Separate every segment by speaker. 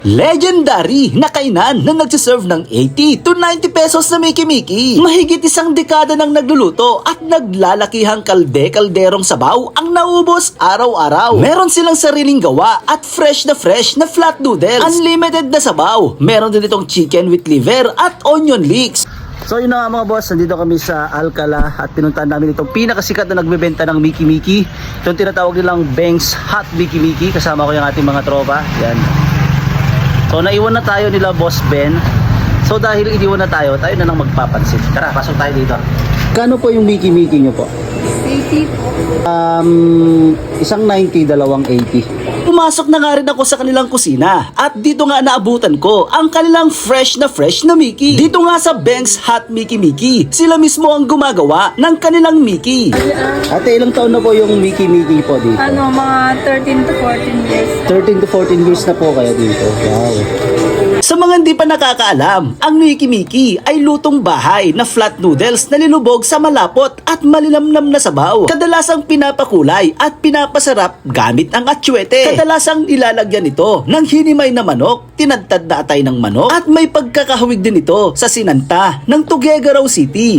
Speaker 1: Legendary na kainan na nagsiserve ng 80 to 90 pesos na Miki-Miki. Mahigit isang dekada nang nagluluto at naglalakihang kalderong sabaw ang naubos araw-araw. Meron silang sariling gawa at fresh na flat noodles. Unlimited na sabaw. Meron din itong chicken with liver at onion leeks. So yun na nga mga boss, nandito kami sa Alcala at pinuntahan namin itong pinakasikat na nagbebenta ng Miki-Miki. Itong tinatawag nilang Beng's Hot Miki-Miki. Kasama ko yung ating mga tropa. Yan. So naiwan na tayo nila Boss Ben. So dahil iniwan na tayo na lang magpapansin. Tara, pasok tayo dito. Kano po yung Miki-Miki nyo po?
Speaker 2: 80 po.
Speaker 1: Isang 90, dalawang 80. Pumasok na nga rin ako sa kanilang kusina at dito nga naabutan ko ang kanilang fresh na Miki. Dito nga sa Beng's Hot Miki-Miki, sila mismo ang gumagawa ng kanilang Miki. Ate, ilang taon na po yung Miki-Miki po dito?
Speaker 2: Mga 13 to 14 years.
Speaker 1: 13 to 14 years na po kayo dito. Wow. Sa mga hindi pa nakakaalam, ang Miki-Miki ay lutong bahay na flat noodles na nilubog sa malapot at malinamnam na sabaw. Kadalasang pinapakulay at pinapasarap gamit ang atsuete. Kadalasang ilalagyan ito ng hinimay na manok, tinadtad na atay ng manok, at may pagkakahawig din ito sa sinanta ng Tuguegarao City.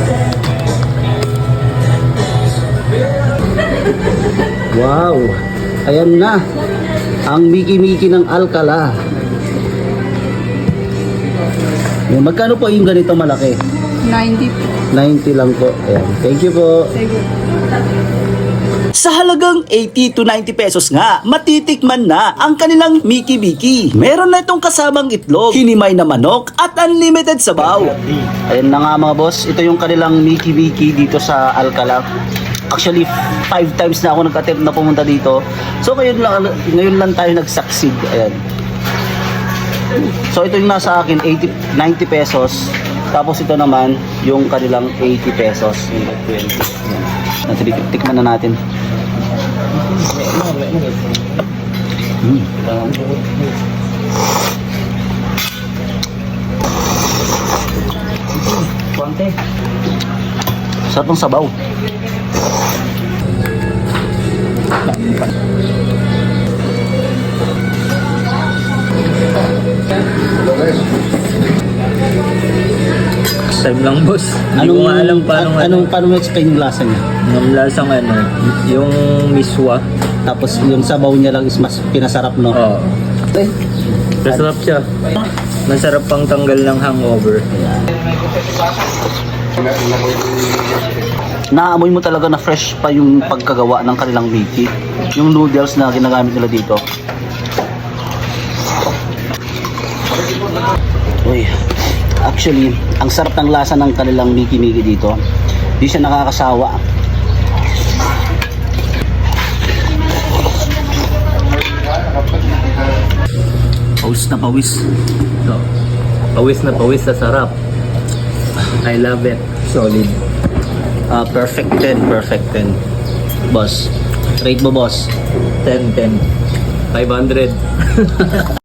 Speaker 1: Wow! Ayan na ang Miki-Miki ng Alcala. Yan, magkano po yung ganito malaki?
Speaker 2: 90 po.
Speaker 1: 90 lang po. Ayan. Thank you po.
Speaker 2: Sige.
Speaker 1: Sa halagang 80 to 90 pesos nga, matitikman na ang kanilang Miki-Miki. Meron na itong kasamang itlog, hinimay na manok, at unlimited sabaw. Ayan na nga mga boss, ito yung kanilang Miki-Miki dito sa Alcala. Actually, 5 times na ako nag-attempt na pumunta dito. So ngayon lang tayo nag-succeed. Ayan. So ito yung nasa akin 90 pesos. Tapos ito naman yung kanilang 80 pesos. 20. Tikman na natin. Konti. Sarap ng sabaw.
Speaker 3: Time lang boss. Hindi ko nga alam
Speaker 1: Paano mo explain yung lasa niya?
Speaker 3: Ang lasang yung miswa.
Speaker 1: Tapos yung sabaw niya lang is mas pinasarap, no?
Speaker 3: Oo. Masarap siya. Masarap pang tanggal ng hangover.
Speaker 1: Naamoy mo talaga na fresh pa yung pagkagawa ng kanilang Miki. Yung noodles na ginagamit nila dito. Uy. Actually, ang sarap ng lasa ng kanilang Miki-Miki dito. Di siya nakakasawa. Pawis na pawis.
Speaker 3: So, pawis na pawis sa sarap. I love it. Solid.
Speaker 1: Perfect 10, perfect 10. Boss, rate mo boss.
Speaker 3: 10. 500.